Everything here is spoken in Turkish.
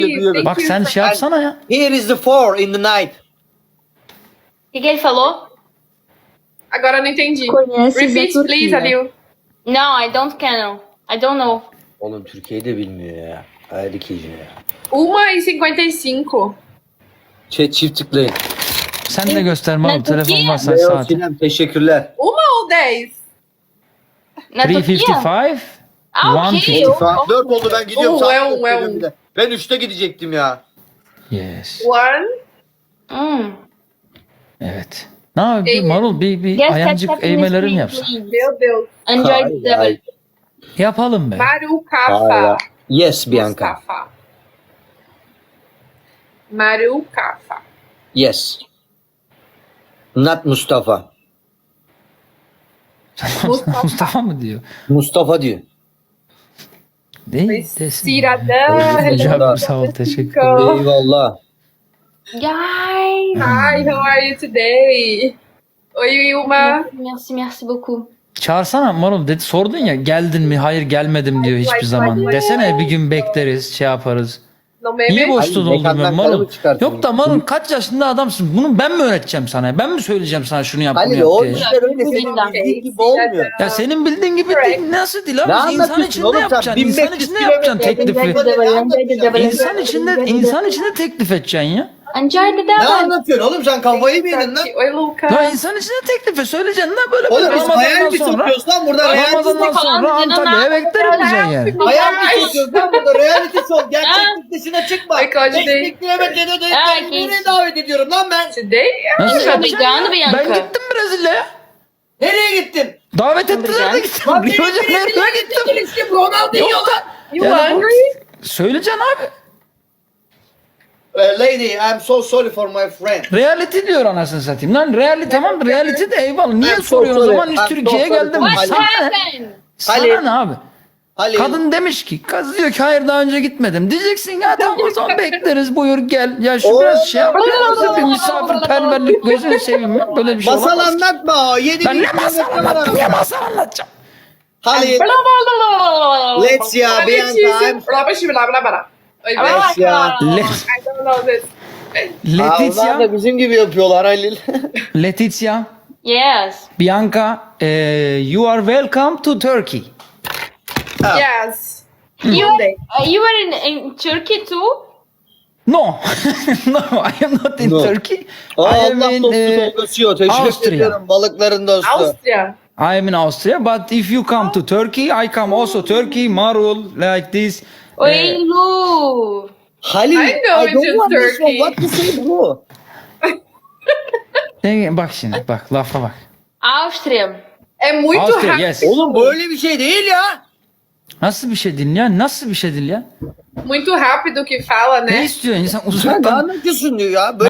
duyuyorum. Bak sen şey yapsana ya. Here is the 4 in the night. O que ele falou? Agora eu não entendi. Conhece da Repeat, Turquia. please, Adil. No, I don't can. I don't know. Oğlum Türkiye'yi de bilmiyor ya. Haydi keyci ya. 1h55. Chat çift tıklayın. Sen de göster Mahmut. Ne Telefon Türkiye? varsa Leo saat. Sinem teşekkürler. 1 ou 10? Na Turquia? 355. Ah, ok. 150. Eu- 4 oldu ben gidiyorum. Oh, saat well, dört well. dedim bir de. Ben 3'te gidecektim ya. Yes. 1. Evet. Ne yapayım Marul bir Guess ayancık that eğmelerin please. yapsa. Meu Deus. Enjoy Ay, the ay. Yapalım be. Marucafa. Yes Bianca. Mustafa. Marucafa. Yes. Not Mustafa. Mustafa mı diyor? Mustafa diyor. Değil. Desin. Cidadã. Hocam sağ ol teşekkür Hello. ederim. Eyvallah. Guys. Hi, how are you today? Oi, Wilma. Merci beaucoup. Çağırsana Marul dedi sordun ya geldin mi? Hayır gelmedim diyor hiçbir zaman. Desene bir gün bekleriz şey yaparız. No meme? Niye boş Ay, doldun mekandan Marul? karımı çıkartayım. Yok da Marul kaç yaşında adamsın? Bunu ben mi öğreteceğim sana? Ben mi söyleyeceğim sana şunu yap bunu Halil yap o diye? işler öyle senin bildiğin gibi olmuyor. Ya senin bildiğin gibi değil. Nasıl değil abi? Ne İnsan anlatıyorsun içinde oğlum sen? yapacaksın. İnsan 1500 içinde yapacaksın kilometre teklifi. Ne İnsan içinde teklif edeceksin ya. Enjoy the Ne devil. anlatıyorsun oğlum sen kafayı mı yedin lan? Oi, Luca. Ya insan içinde teklif et. Söyleyeceksin lan böyle Oğlum biz hayal Ramazan'dan mi sonra. sokuyoruz lan burada reality Ramazan'dan sonra Antalya'ya beklerim diyeceksin yani. Hayal mi sokuyoruz lan burada reality show. Gerçeklik dışına çıkma. Ay, Claude 5 değil. kilometrede de Ay, nereye davet ediyorum lan ben? Today? Nasıl Muito yapacaksın obrigada, ya? Bianca. Ben gittim Brezilya'ya. Nereye gittin? Davet ettiler de gittim. Lan Rio benim Janeiro'ya Brezilya'ya gittim. gittim. Ronaldinho lan. You Yani bu- hungry? Söyleyeceksin abi. Lady, I'm so sorry for my friend. Reality diyor anasını satayım. Lan reality tamam reality de eyvallah. Niye Ben soruyorsun o sorry. zaman hiç Ben Türkiye'ye sorry. geldim mi? What Sana ne? happened? Halil. Sana ne abi? Halil. Kadın demiş ki, kız diyor ki hayır daha önce gitmedim. Diyeceksin ya tamam o zaman bekleriz buyur gel. Ya şu biraz şey yapacağız bir misafirperverlik gözünü seveyim ya. Böyle bir şey Masal olamaz ki. anlatma. 7 Ben ne masal anlattım ya masal anlatacağım. Halil. Let's ya Bianca. I'm Blá, blá, blá, blá. Oi, Let's ya. Le- I don't know this. Onlar Letizia, da bizim gibi yapıyorlar Halil. Yes. Bianca, you are welcome to Turkey. Yes. You Monday. you were in Turkey too? No, no, I am not in No. Turkey. I Allah am in, dostu doldusuyor. Teşekkür Austria. ediyorum balıkların dostu. Áustria. I am in Austria, but if you come to Turkey, I come also Turkey, Marul, like this. Oi, Lu. Halil, I know I don't it's in understand Turkey. what you say bro. Bak şimdi, bak lafa bak. Áustria. É muito Austria, rápido. yes. Oğlum böyle bir şey değil ya. Nasıl bir şey din ya? Nasıl bir şey din ya? Muito rápido que fala, Ne né? istiyor insan Sen ne uzaktan? anlatıyorsun diyor ya.